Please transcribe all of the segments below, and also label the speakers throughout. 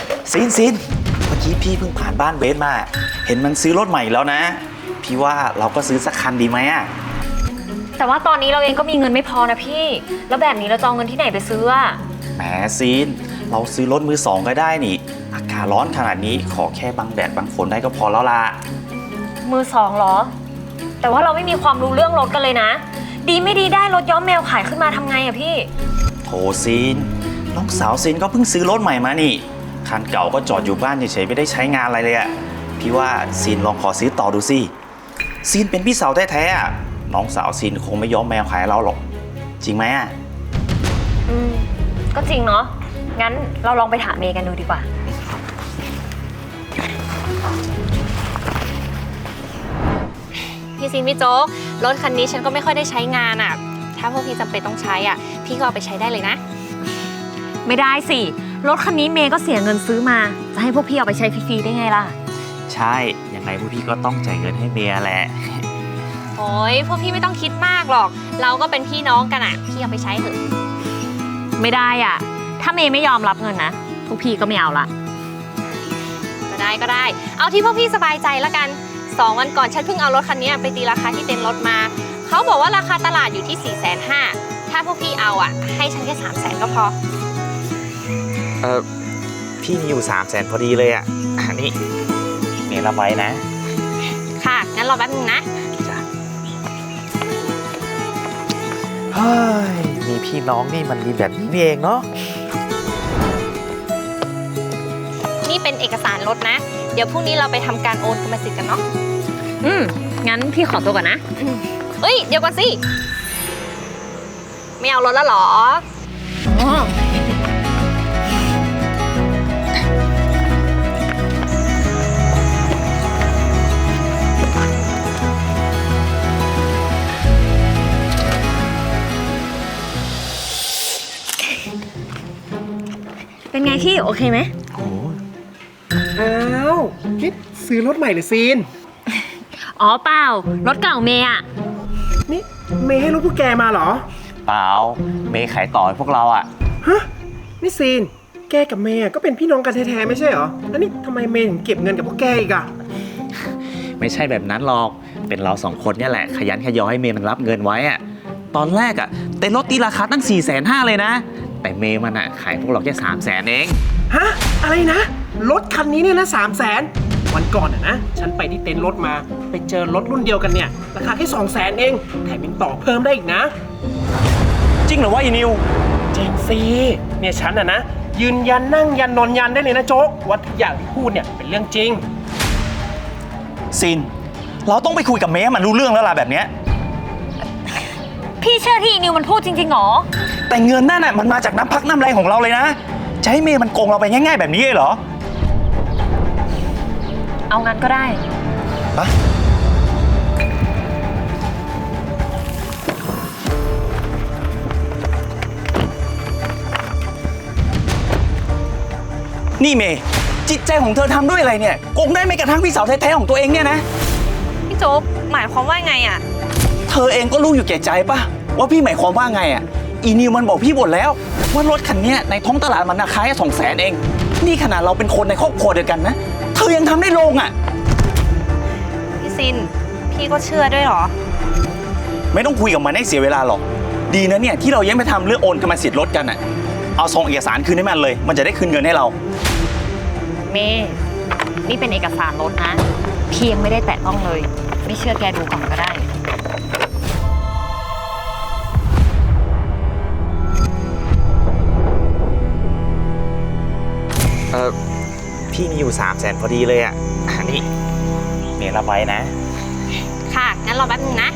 Speaker 1: ซินเมื่อกี้พี่เพิ่งผ่านบ้านเบสมาเห็นมันซื้อรถใหม่แล้วนะพี่ว่าเราก็ซื้อสักคันดีไหมอะ
Speaker 2: แต่ว่าตอนนี้เราเองก็มีเงินไม่พอนะพี่แล้วแบบนี้เราจะเอาเงินที่ไหนไปซื้ออะ
Speaker 1: แหมซินเราซื้อรถมือสองก็ได้นี่อากาศร้อนขนาดนี้ขอแค่บังแดดบังฝนได้ก็พอแล้วล่ะ
Speaker 2: มือสองเหรอแต่ว่าเราไม่มีความรู้เรื่องรถกันเลยนะดีไม่ดีได้รถย้อมแมวขายขึ้นมาทำไงอะพี่
Speaker 1: โถซินน้องสาวซินก็เพิ่งซื้อรถใหม่มานี่คันเก่าก็จอดอยู่บ้านเฉยๆไม่ได้ใช้งานอะไรเลยอะพี่ว่าซินลองขอซื้อต่อดูสิซินเป็นพี่สาวแท้ๆอะน้องสาวซินคงไม่ย้อมแมวขายเราหรอกจริงไหมอะ
Speaker 2: ก็จริงเนาะงั้นเราลองไปถามเมย์กันดูดีกว่า
Speaker 3: พี่ซินพี่โจ๊กรถคันนี้ฉันก็ไม่ค่อยได้ใช้งานอ่ะถ้าพวกพี่จำเป็นต้องใช้อ่ะพี่ก็เอาไปใช้ได้เลยนะ
Speaker 2: ไม่ได้สิรถคันนี้เมย์ก็เสียเงินซื้อมาจะให้พวกพี่เอาไปใช้ฟรีๆได้ไงล่ะ
Speaker 1: ใช่ยังไงพวกพี่ก็ต้องจ่ายเงินให้เมียแหละ
Speaker 3: โอ้ยพวกพี่ไม่ต้องคิดมากหรอกเราก็เป็นพี่น้องกันอ่ะพี่เอาไปใช้เถอะ
Speaker 2: ไม่ได้อ่ะถ้าเมย์ไม่ยอมรับเงินนะพวกพี่ก็ไม่เอาละ
Speaker 3: ก็ได้เอาที่พวกพี่สบายใจแล้วกัน2 วันก่อนฉันเพิ่งเอารถคันนี้ไปตีราคาที่เต็นท์รถมาเขาบอกว่าราคาตลาดอยู่ที่ 450,000ถ้าพวกพี่เอาอ่ะให้ฉันแค่300,000ก็พอ
Speaker 1: พี่มีอยู่300,000พอดีเลยอ่ะนี่เมียรับไว้นะ
Speaker 3: ค่ะงั้นรอแป๊บนึงนะ
Speaker 1: เฮ้ยมีพี่น้องนี่มันดีแบบนี้เองเนาะ
Speaker 3: นี่เป็นเอกสารรถนะเดี๋ยวพรุ่งนี้เราไปทำการโอนกรรมสิทธิ์กันเนาะ
Speaker 2: งั้นพี่ขอตัวก่อนนะ
Speaker 3: เฮ้ยเดี๋ยวก่อนสิไม่เอารถแล้วหรอ
Speaker 2: เป็นไงพี่โอเคไหม
Speaker 4: อ้าวนี่ซื้อรถใหม่หรือซีน
Speaker 2: อ๋อเปล่ารถเก่าเมย์อะ
Speaker 4: นี่เมย์ให้รถพวกแกมาเหรอ
Speaker 1: เปล่าเมย์ขายต่อให้พวกเราอะ
Speaker 4: ฮะนี่ซีนแกกับเมย์ก็เป็นพี่น้องกันแท้ๆไม่ใช่เหรอแล้วนี่ทำไมเมย์ถึงเก็บเงินกับพวกแกอีกอะ
Speaker 1: ไม่ใช่แบบนั้นหรอกเป็นเรา2 คนเนี่ยแหละขยันขยอให้เมย์มันรับเงินไว้อะตอนแรกอะเต็นท์รถตีราคาตั้ง450,000เลยนะแต่เมย์มันอะขายพวกเราแค่300,000เอง
Speaker 4: ฮะอะไรนะรถคันนี้เนี่ยนะ300,000วันก่อนนะฉันไปที่เต็นท์รถมาไปเจอรถรุ่นเดียวกันเนี่ยราคาแค่200,000เองแถมยังต่อเพิ่มได้อีกนะ
Speaker 1: จริงเหรอวะอีนิว
Speaker 4: จริงสิเนี่ยฉันนะยืนยันนั่งยันนอนยันได้เลยนะโจ๊กว่าทุกอย่างที่พูดเนี่ยเป็นเรื่องจริง
Speaker 1: ซินเราต้องไปคุยกับเมย์มันรู้เรื่องแล้วล่ะแบบเนี้ย
Speaker 2: พี่เชื่อที่นิวมันพูดจริงๆหรอ
Speaker 1: แต่เงินนั่นน่ะมันมาจากน้ำพักน้ำแรงของเราเลยนะจะให้เมย์มันโกงเราไปง่ายๆแบบนี้เลยเหรอ
Speaker 2: เอางั้นก็ได้
Speaker 1: ปะนี่เมย์จิตใจของเธอทำด้วยอะไรเนี่ยโกงได้ไม่กระทั่งพี่สาวแท้ๆของตัวเองเนี่ยนะ
Speaker 3: พี่โจ๊กหมายความว่าไงอ่ะ
Speaker 1: เธอเองก็รู้อยู่แก่ใจปะว่าพี่หมายความว่าไงอ่ะอีนิวมันบอกพี่หมดแล้วว่ารถคันนี้ในท้องตลาดมันราคาแค่200,000เองนี่ขนาดเราเป็นคนในครอบครัวเดียวกันนะเธอยังทำได้ลงอ่ะ
Speaker 3: พี่ซินพี่ก็เชื่อด้วยเหรอ
Speaker 1: ไม่ต้องคุยกับมันให้เสียเวลาหรอกดีนะเนี่ยที่เรายังไม่ทำเรื่องโอนกรรมสิทธิ์รถกันอ่ะเอาส่งเอกสารคืนให้มันเลยมันจะได้คืนเงินให้เรา
Speaker 2: เมย์นี่เป็นเอกสารรถนะพี่ยังไม่ได้แตะต้องเลยไม่เชื่อแกดูก่อนก็ได้
Speaker 1: พี่มีอยู่300,000พอดีเลยอ่ะนี่เมย์รับไว้นะ
Speaker 3: ค่ะงั้นรอแป๊บนึงนะ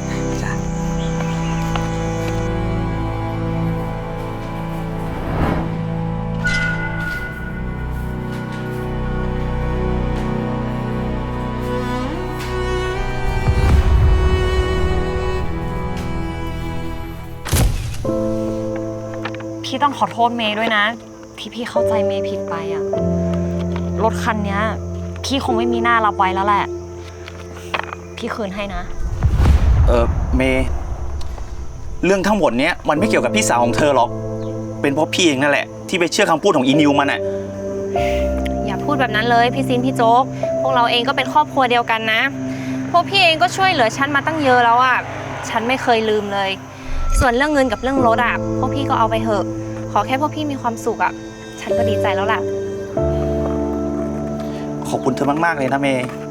Speaker 2: พี่ต้องขอโทษเมย์ด้วยนะที่พี่เข้าใจเมย์ผิดไปอะรถคันนี้พี่คงไม่มีหน้ารับไว้แล้วแหละพี่คืนให้นะ
Speaker 1: เมย์เรื่องทั้งหมดเนี้ยมันไม่เกี่ยวกับพี่สาวของเธอหรอกเป็นเพราะพี่เองนั่นแหละที่ไปเชื่อคำพูดของอีนิวมันอะ
Speaker 3: ยพูดแบบนั้นเลยพี่ซินพี่โจ๊กพวกเราเองก็เป็นครอบครัวเดียวกันนะพวกพี่เองก็ช่วยเหลือฉันมาตั้งเยอะแล้วอ่ะฉันไม่เคยลืมเลยส่วนเรื่องเงินกับเรื่องรถอ่ะพวกพี่ก็เอาไปเถอะขอแค่พวกพี่มีความสุขอ่ะฉันก็ดีใจแล้วล่ะ
Speaker 1: ขอบคุณเธอมากๆเลยนะเมย์